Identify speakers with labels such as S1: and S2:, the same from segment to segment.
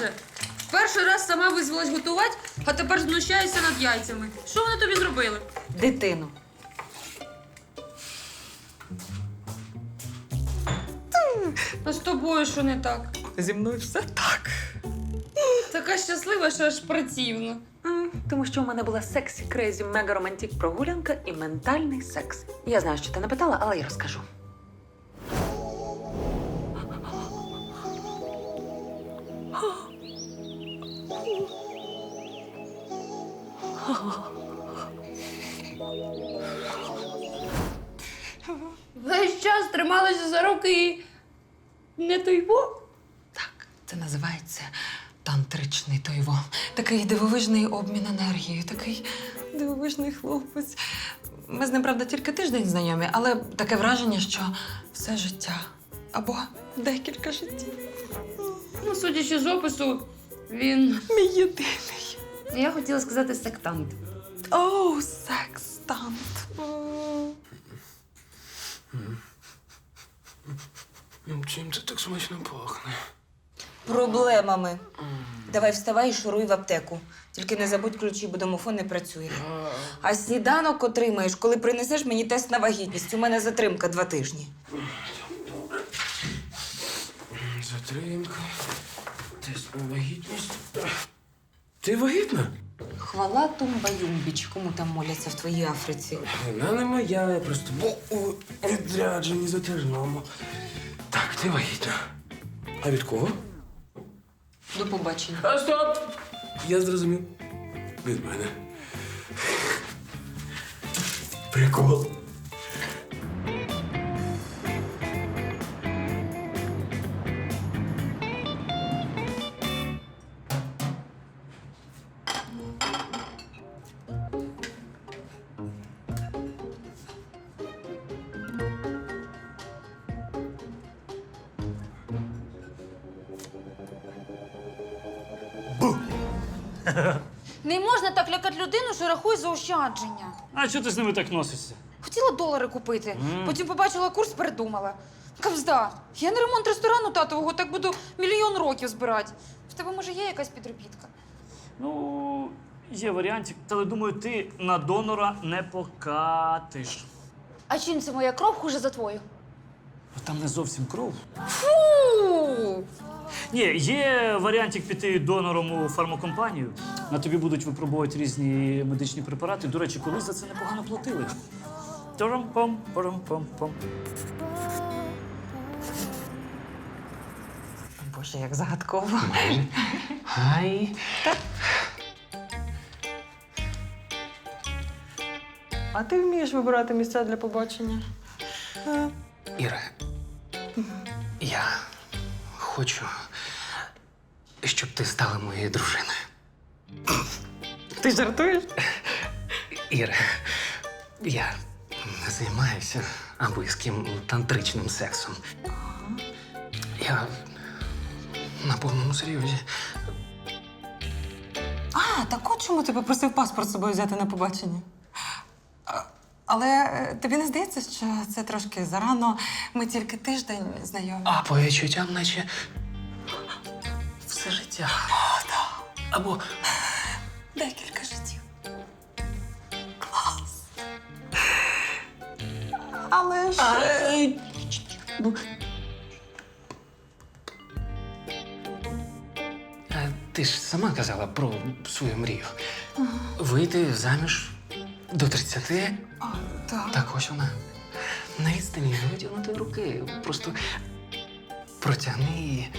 S1: вже. Перший раз сама визвалась готувати, а тепер знущаєшся над яйцями. Що вони тобі зробили?
S2: Дитину.
S1: А з тобою що не так?
S2: Зі мною все так.
S1: Така щаслива, що аж противно.
S2: Тому що у мене була сексі, крейзі, мега романтик прогулянка і ментальний секс. Я знаю, що ти не питала, але я розкажу.
S1: Весь час трималася за руки і не тойво.
S2: Так, це називається тантричний тойво. Такий дивовижний обмін енергією, такий дивовижний хлопець. Ми з ним, правда, тільки тиждень знайомі, але таке враження, що все життя або декілька життів.
S1: Ну, судячи з опису, він...
S2: Мій єдиний.
S1: Я хотіла сказати сектант.
S2: Оу, секстант.
S3: Чим це так смачно пахне?
S4: Проблемами. Давай вставай і шуруй в аптеку. Тільки не забудь ключі, бо домофон не працює. А сніданок отримаєш, коли принесеш мені тест на вагітність. У мене затримка 2 тижні.
S3: Затримка. Тест на вагітність. Ти вагітна?
S4: Хвала тумба-юмбіч, кому там моляться в твоїй Африці.
S3: Вона не моя, я просто був у відрядженні затяжному. Так, ти вагітна. А від кого?
S4: До побачення.
S3: А стоп! Я зрозумів. Від мене. Прикол.
S1: Не можна так лякати людину, що рахує заощадження.
S5: А чого ти з ними так носишся?
S1: Хотіла долари купити, потім побачила курс, передумала. Кавзда, я на ремонт ресторану татового так буду 1 000 000 років збирати. В тебе, може, є якась підробітка?
S5: Ну, є варіантик, але думаю, ти на донора не покатиш.
S1: А чим це моя кров хуже за твою?
S5: Там не зовсім кров.
S1: Фу!
S5: Ні, є варіантик піти донором у фармакомпанію. На тобі будуть випробувати різні медичні препарати. До речі, колись за це непогано платили. Тором-пом, пором-пом-пом.
S2: Боже, як загадково.
S3: Гай.
S2: А ти вмієш вибирати місця для побачення?
S3: Іра, я хочу, щоб ти стала моєю дружиною.
S2: Ти жартуєш?
S3: Іра, я не займаюся аби з ким тантричним сексом. Я на повному серйозі.
S2: А, так от чому ти попросив паспорт з собою взяти на побачення? Але тобі не здається, що це трошки зарано? Ми тільки тиждень знайомі.
S3: А по відчуттям, наче все життя. Або
S2: Декілька життів. Клас. Але ж...
S3: ти ж сама казала про свою мрію. Вийти заміж до 30.
S2: Так.
S3: Так ось вона. На відстані витягнути руки. Просто протягни її.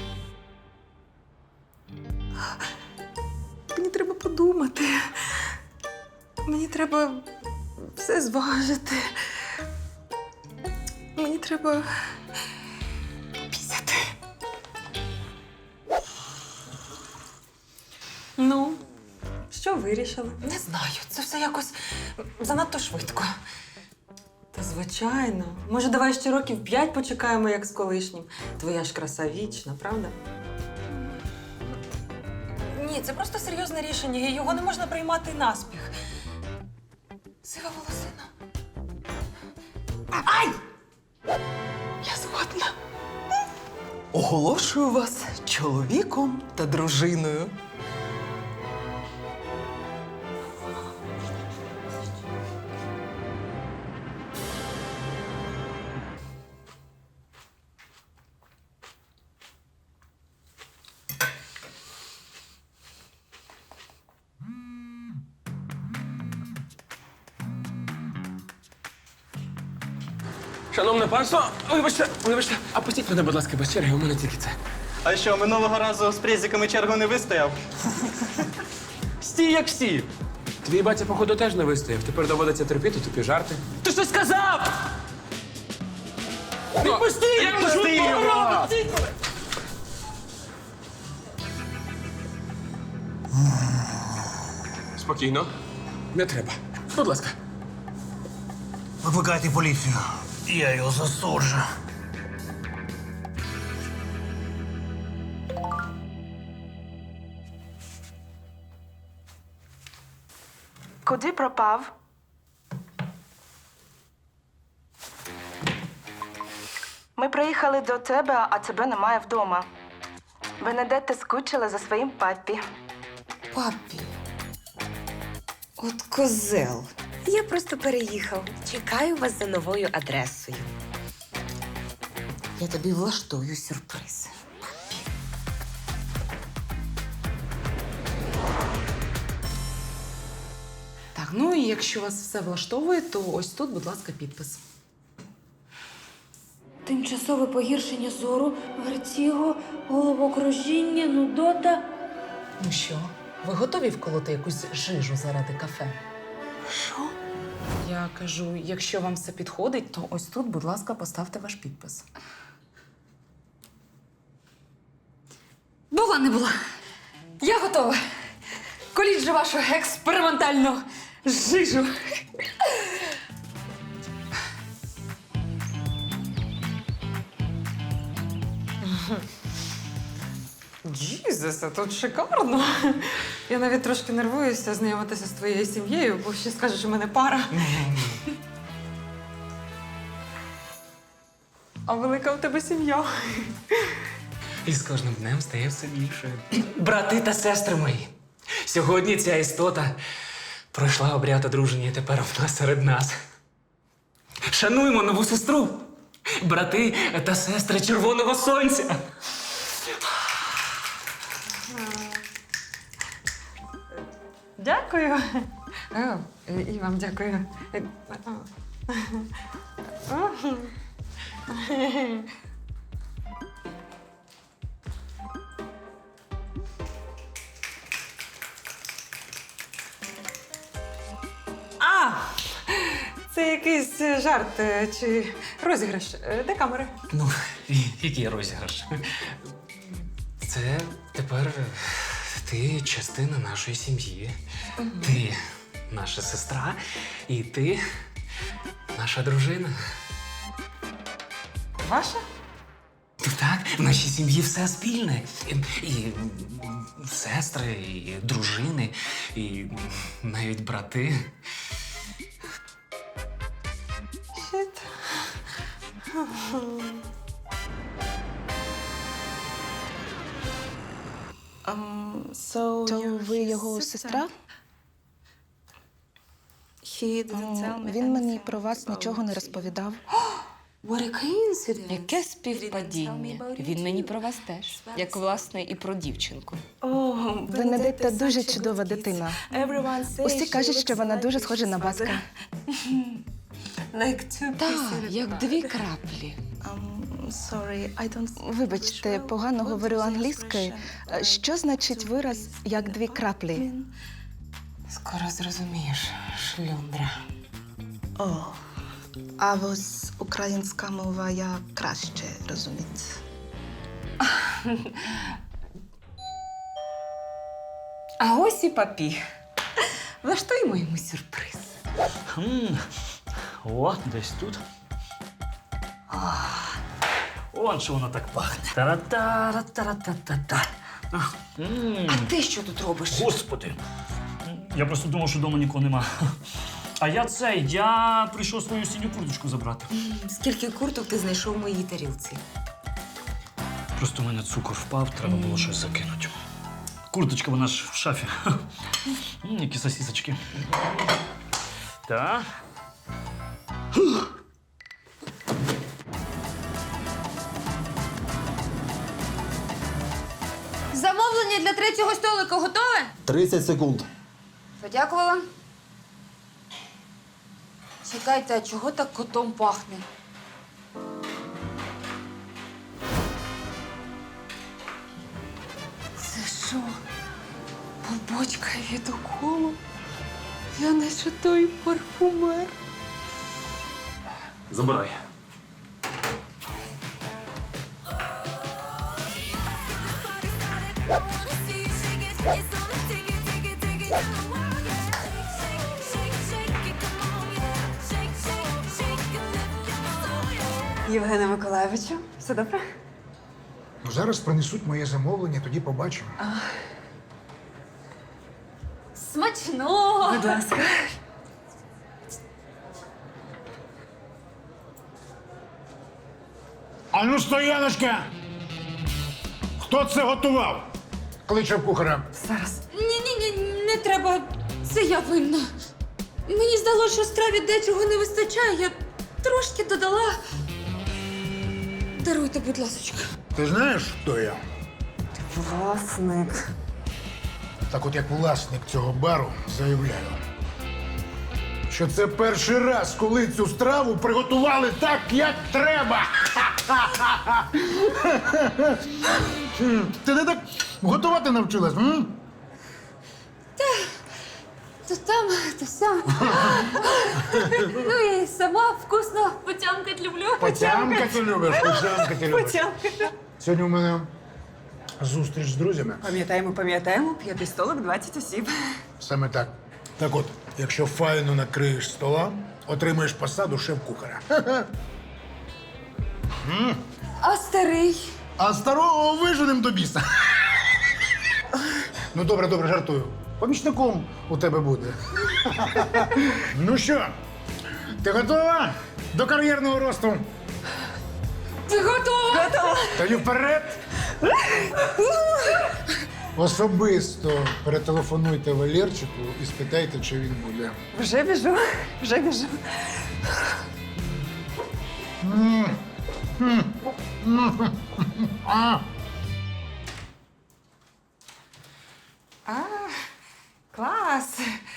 S2: Мені треба подумати. Мені треба все зважити. Мені треба попісяти. Ну, що вирішили? Не знаю. Це все якось занадто швидко. Та звичайно. Може, давай ще років 5 почекаємо, як з колишнім. Твоя ж краса вічна, правда? Ні, це просто серйозне рішення, і його не можна приймати наспіх. Сива волосина. Ай! Я згодна.
S6: Оголошую вас чоловіком та дружиною.
S3: Шановне панство, вибачте, а пустіть мене, будь ласка, без черги, у мене тільки це.
S7: А що, минулого разу з презиками чергу не вистояв?
S3: Стій, як всі. Твій батя, походу, теж не вистояв. Тепер доводиться терпіти тупі жарти.
S5: Ти що сказав?
S3: Відпустіть!
S5: Я пусти його!
S3: Спокійно. Не треба. Будь ласка.
S8: Викликайте поліцію. Я його засуджу.
S9: Куди пропав? Ми приїхали до тебе, а тебе немає вдома. Бенедетта скучила за своїм папі.
S4: Папі. От козел.
S10: Я просто переїхав. Чекаю вас за новою адресою.
S4: Я тобі влаштую сюрприз.
S2: Так, ну і якщо вас все влаштовує, то ось тут, будь ласка, підпис.
S1: Тимчасове погіршення зору, вертіго, головокружіння, нудота.
S2: Ну що, ви готові вколоти якусь жижу заради кафе?
S4: Що?
S2: Я кажу, якщо вам все підходить, то ось тут, будь ласка, поставте ваш підпис.
S1: Була не була. Я готова. Коліть же вашу експериментальну жижу.
S2: Джізусе, тут шикарно. Я навіть трошки нервуюся знайомитися з твоєю сім'єю, бо ще скажеш, що в мене пара. А велика у тебе сім'я.
S3: І з кожним днем стає все більше. Брати та сестри мої. Сьогодні ця істота пройшла обряд одруження і тепер вона серед нас. Шануємо нову сестру. Брати та сестри Червоного Сонця.
S2: Дякую. І вам дякую. Це якийсь жарт чи розіграш. Де камери?
S3: Ну, який розіграш? Це тепер ти частина нашої сім'ї. Ти наша сестра, і ти наша дружина.
S2: Ваша?
S3: Ну так, в нашій сім'ї все спільне. І сестри, і дружини, і навіть брати.
S2: Щит.
S9: То ви його сестра? Він мені про вас нічого не розповідав.
S10: Яке співпадіння. Він мені про вас теж. Як, власне, і про дівчинку.
S9: Бенедетта дуже чудова дитина. Усі кажуть, що вона дуже схожа на батька.
S10: Так, як дві краплі.
S9: Вибачте, погано говорю англійською. Що значить вираз «як дві краплі»?
S10: Скоро зрозумієш, шлюндра.
S9: О, а ось українська мова я краще розумію.
S4: А ось і папі. Влаштуємо йому сюрприз.
S5: О, десь тут. Он що воно так пахне. Та-ра-та-ра-та-ра-та-та-та.
S4: А ти що тут робиш?
S5: Господи. Я просто думав, що вдома нікого нема. А я прийшов свою синю курточку забрати.
S4: Скільки курток ти знайшов в моїй тарілці?
S5: Просто у мене цукор впав, треба було щось закинути. Курточка вона ж в шафі. Які сосісочки. Так.
S1: Замовлення для третього столика готове?
S11: 30 секунд.
S1: Подякувала. Чекайте, а чого так котом пахне?
S2: Це що? Побочка від уколу? Я наче той парфумер.
S5: Забирай.
S2: Євгене Миколайовичу, все добре?
S12: Ну, зараз принесуть моє замовлення, тоді побачимо.
S1: Смачного!
S2: Будь ласка.
S12: А ну, стояночка! Хто це готував? Кличе кухаря.
S2: Зараз.
S1: Ні, не треба. Це я винна. Мені здалося, що страві дечого не вистачає. Я трошки додала. Даруйте, будь ласочка.
S12: Ти знаєш, хто я?
S2: Власник.
S12: Так от як власник цього бару заявляю, що це перший раз, коли цю страву приготували так, як треба. Ти не так готувати навчилась? М?
S1: То там, то сям. Ну і сама вкусно потямкать люблю.
S12: Потямкати любиш, потямкати любиш. Сьогодні у мене зустріч з друзями.
S6: Пам'ятаємо, 5 столик, 20 осіб.
S12: Саме так. Так от, якщо файно накриєш стола, отримаєш посаду шеф-кухаря.
S1: А старий?
S12: А старого виженем до біса. Ну, добре, жартую. Помічником у тебе буде. Ну що, ти готова до кар'єрного росту?
S1: Ти готова?
S12: Тоді вперед! Особисто перетелефонуйте Валерчику і спитайте, чи він буде.
S6: Вже біжу.
S2: Клас.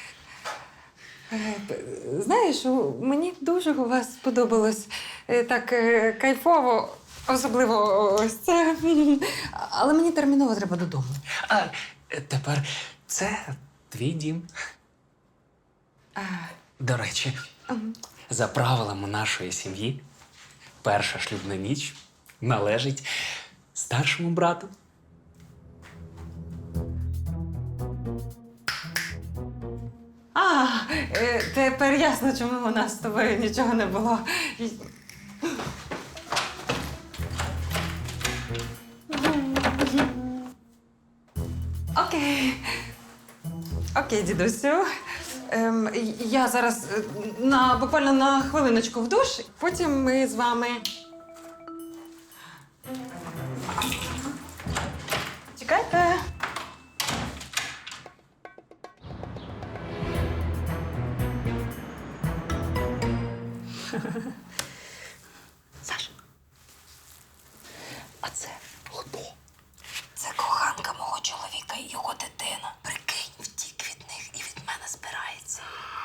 S2: Знаєш, мені дуже у вас сподобалось. Так кайфово, особливо ось це. Але мені терміново треба додому.
S3: А тепер це твій дім. До речі, за правилами нашої сім'ї, перша шлюбна ніч належить старшому брату.
S2: Тепер ясно, чому у нас з тобою нічого не було. Окей, дідусю. Я зараз буквально на хвилиночку в душ, потім ми з вами. Чекайте.
S4: Саш, а це хто? Це коханка мого чоловіка і його дитина. Прикинь, втік від них і від мене збирається.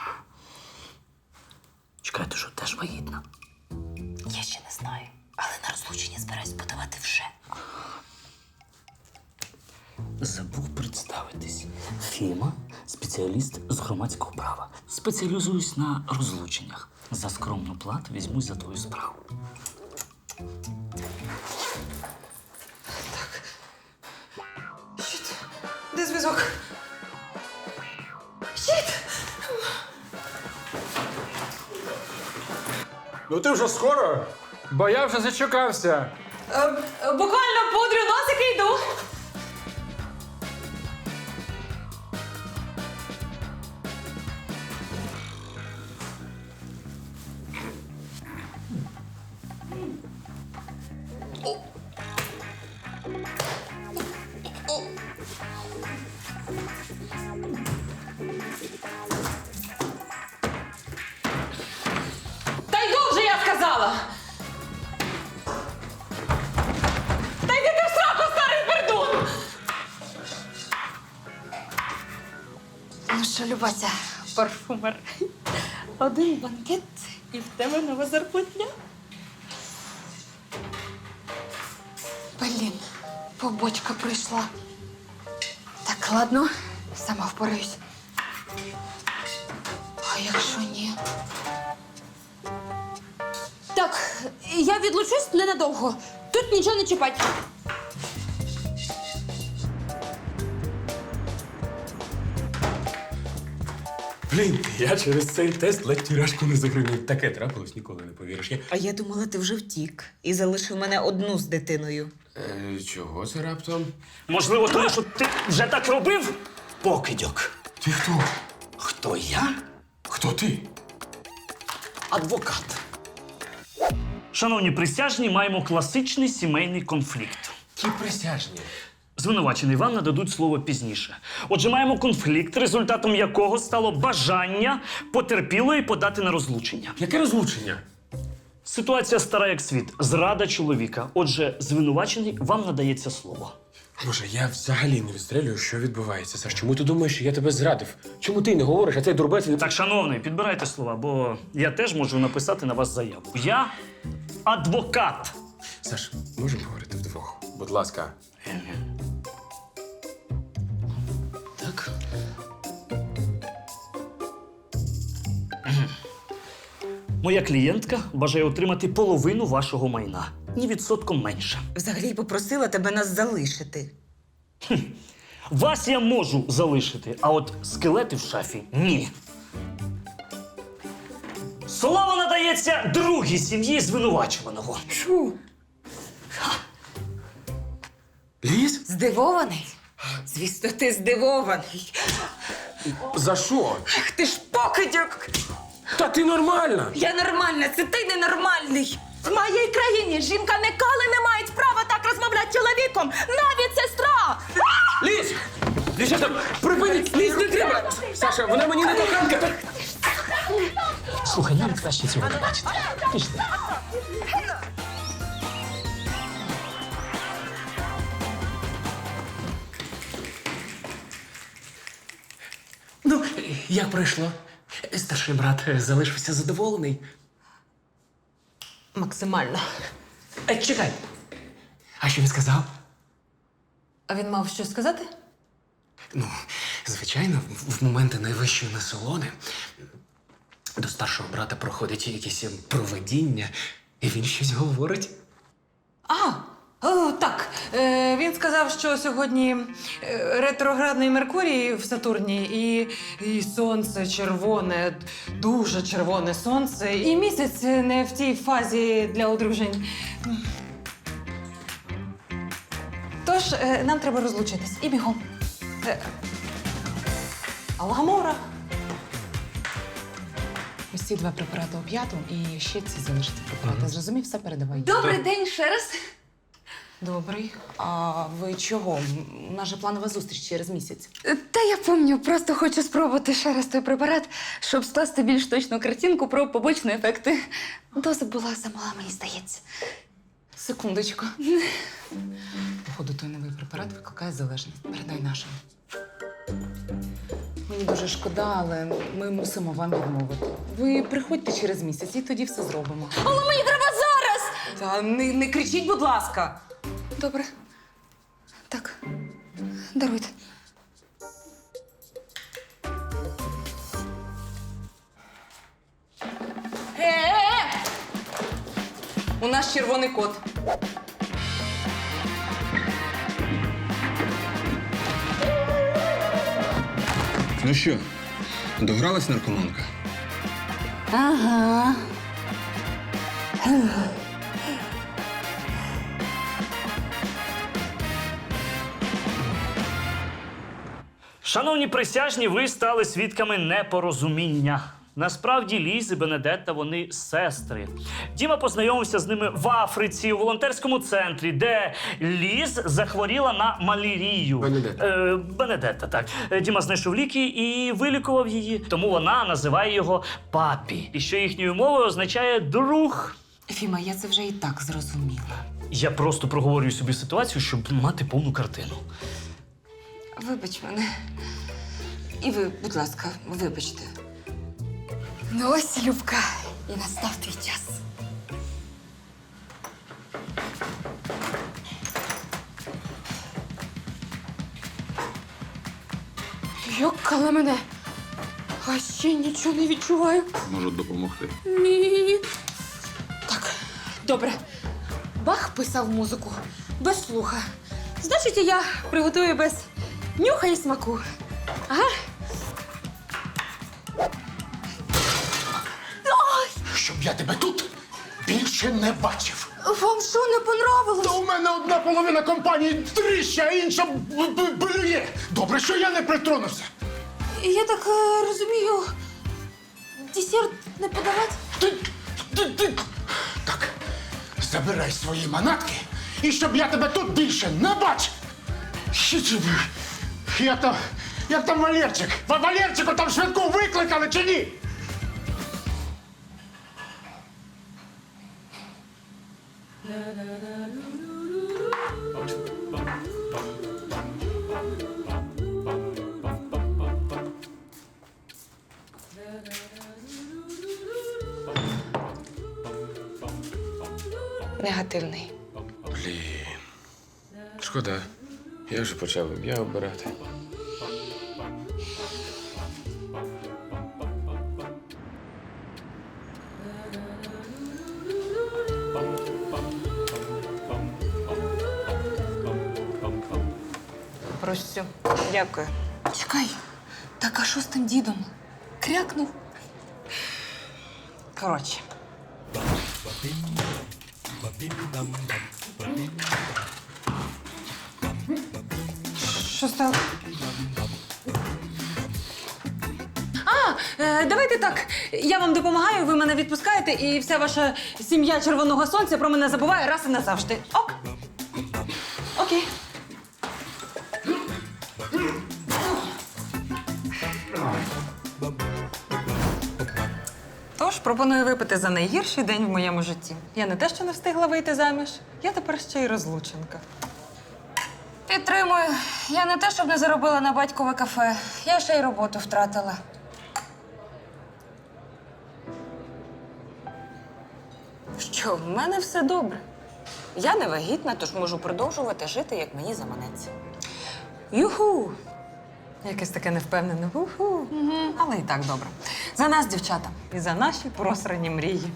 S5: Чекай, ти що, теж вагітна?
S4: Я ще не знаю, але на розлучення збираюсь подавати вже.
S5: Забув представитись. Фіма – спеціаліст з громадського права. Спеціалізуюсь на розлученнях. За скромну плату візьмусь за твою справу.
S2: Де зв'язок?
S12: Ну ти вже скоро? Бо я вже зачекався.
S2: Буквально пудрю носики і йду.
S1: що, Любася, парфумер. Один банкет і в тебе нова зарплатня. Блін, побочка прийшла. Так, ладно, сама впораюсь. А якщо ні? Так, я відлучусь ненадовго. Тут нічого не чіпать.
S3: Блін, я через цей тест ледь тюряшку не загримів. Таке трапилось, ніколи не повіриш.
S4: А я думала, ти вже втік і залишив мене одну з дитиною.
S3: Чого це раптом?
S5: Можливо, тому що ти вже так робив? Покидьок.
S3: Ти хто?
S5: Хто я?
S3: Хто ти?
S5: Адвокат. Шановні присяжні, маємо класичний сімейний конфлікт.
S3: Ті присяжні.
S5: Звинувачений вам нададуть слово пізніше. Отже, маємо конфлікт, результатом якого стало бажання потерпілої подати на розлучення.
S3: Яке розлучення?
S5: Ситуація стара як світ. Зрада чоловіка. Отже, звинувачений, вам надається слово.
S3: Боже, я взагалі не відстрелюю, що відбувається. Саш, чому ти думаєш, що я тебе зрадив? Чому ти не говориш, а цей дурбець...
S5: Так, шановний, підбирайте слова, бо я теж можу написати на вас заяву. Я адвокат.
S3: Саш, можемо говорити вдвох? Будь ласка.
S5: Так. Моя клієнтка бажає отримати половину вашого майна. Ні відсотком менше.
S4: Взагалі попросила тебе нас залишити.
S5: Вас я можу залишити, а от скелети в шафі – ні. Слово надається другій сім'ї звинувачуваного.
S4: Чу.
S3: Ліз?
S4: Здивований? Звісно, ти здивований.
S3: За що?
S4: Ах ти ж покидьок!
S3: Та ти нормальна!
S4: Я нормальна, це ти ненормальний.
S9: В моїй країні жінка ніколи не має права так розмовляти з чоловіком, навіть сестра!
S3: Ліз! Дівчата, припиніть! Ліз, не треба! Саша, вона мені не коханка!
S5: Слухай, нам краще цього не бачити. Пішли.
S3: Ну, як пройшло? Старший брат залишився задоволений.
S2: Максимально.
S3: Чекай. А що він сказав?
S2: А він мав щось сказати?
S3: Ну, звичайно, в моменти найвищої насолоди до старшого брата проходить якесь провидіння, і він щось говорить.
S2: Так. Він сказав, що сьогодні ретроградний Меркурій в Сатурні і сонце червоне, дуже червоне сонце, і місяць не в тій фазі для одружень. Тож, нам треба розлучитись. І бігом. Алгамора.
S6: Ось ці 2 препарати оп'яту і ще ці залишити препарати. Зрозумів, все передавай.
S1: Добрий день ще раз.
S2: Добрий.
S6: А ви чого? У нас же планова зустріч через місяць.
S1: Та я пам'ятаю, просто хочу спробувати ще раз той препарат, щоб скласти більш точну картинку про побочні ефекти. Доза була замала, мені здається.
S6: Секундочку. Походу, той новий препарат викликає залежність. Передай нашим. Мені дуже шкода, але ми мусимо вам відмовити. Ви приходьте через місяць і тоді все зробимо.
S1: Але мені треба зараз!
S6: Та не кричіть, будь ласка!
S1: Добре. Так, даруйте.
S6: У нас червоний кот.
S11: Ну що, догралась наркоманка?
S1: Ага.
S5: Шановні присяжні, ви стали свідками непорозуміння. Насправді Ліз і Бенедетта – вони сестри. Діма познайомився з ними в Африці, у волонтерському центрі, де Ліз захворіла на малярію.
S3: Бенедетта.
S5: Бенедетта, так. Діма знайшов ліки і вилікував її, тому вона називає його папі. І що їхньою мовою означає «друг».
S6: Фіма, я це вже і так зрозуміла.
S5: Я просто проговорюю собі ситуацію, щоб мати повну картину.
S1: Вибач мене.
S4: І ви, будь ласка, вибачте.
S1: Ну ось, Любка, і настав твій час. Йокала мене. А ще нічого не відчуваю.
S11: Можу допомогти.
S1: Ні. Так, добре. Бах писав музику без слуха. Значить, і я приготую без нюха і смаку. Ага.
S12: Щоб я тебе тут більше не бачив.
S1: Вам що, не понравилось?
S12: Та у мене одна половина компанії тріща, а інша блює. Добре, що я не притронувся.
S1: Я так розумію, десерт не подавати?
S12: Так, забирай свої манатки, і щоб я тебе тут більше не бачив. Як там Валерчик? Валерчику там швидку викликали чи ні?
S4: Негативний.
S11: Блін. Шкода. Я вже почав ім'я обирати.
S4: Прощу. Дякую.
S1: Чекай, так а що з тим дідом? Крякнув?
S4: Коротше.
S2: Що стало? Давайте так. Я вам допомагаю, ви мене відпускаєте, і вся ваша сім'я Червоного Сонця про мене забуває раз і назавжди. Ок? Окей. Тож пропоную випити за найгірший день в моєму житті. Я не те, що не встигла вийти заміж, я тепер ще й розлученка.
S1: Підтримую. Я не те, щоб не заробила на батькове кафе. Я ще й роботу втратила.
S4: Що, в мене все добре. Я не вагітна, тож можу продовжувати жити, як мені заманеться.
S2: Юху! Якесь таке невпевнене. Уху. Але і так добре. За нас, дівчата, і за наші просрані мрії.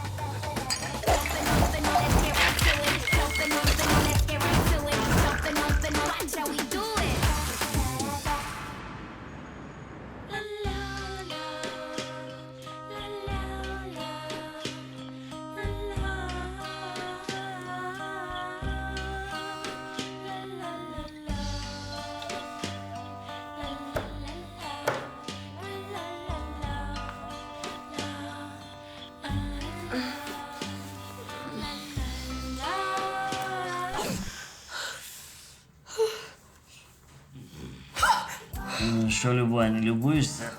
S5: Ну що, Любань, не любуєшся?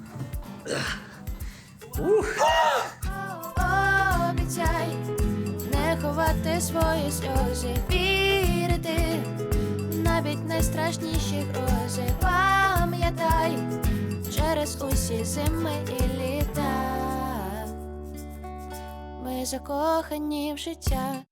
S13: Обіцяй не ховати свої сльози, вірити навіть найстрашніші грози. Пам'ятай через усі зими і літа. Ми закохані в життя.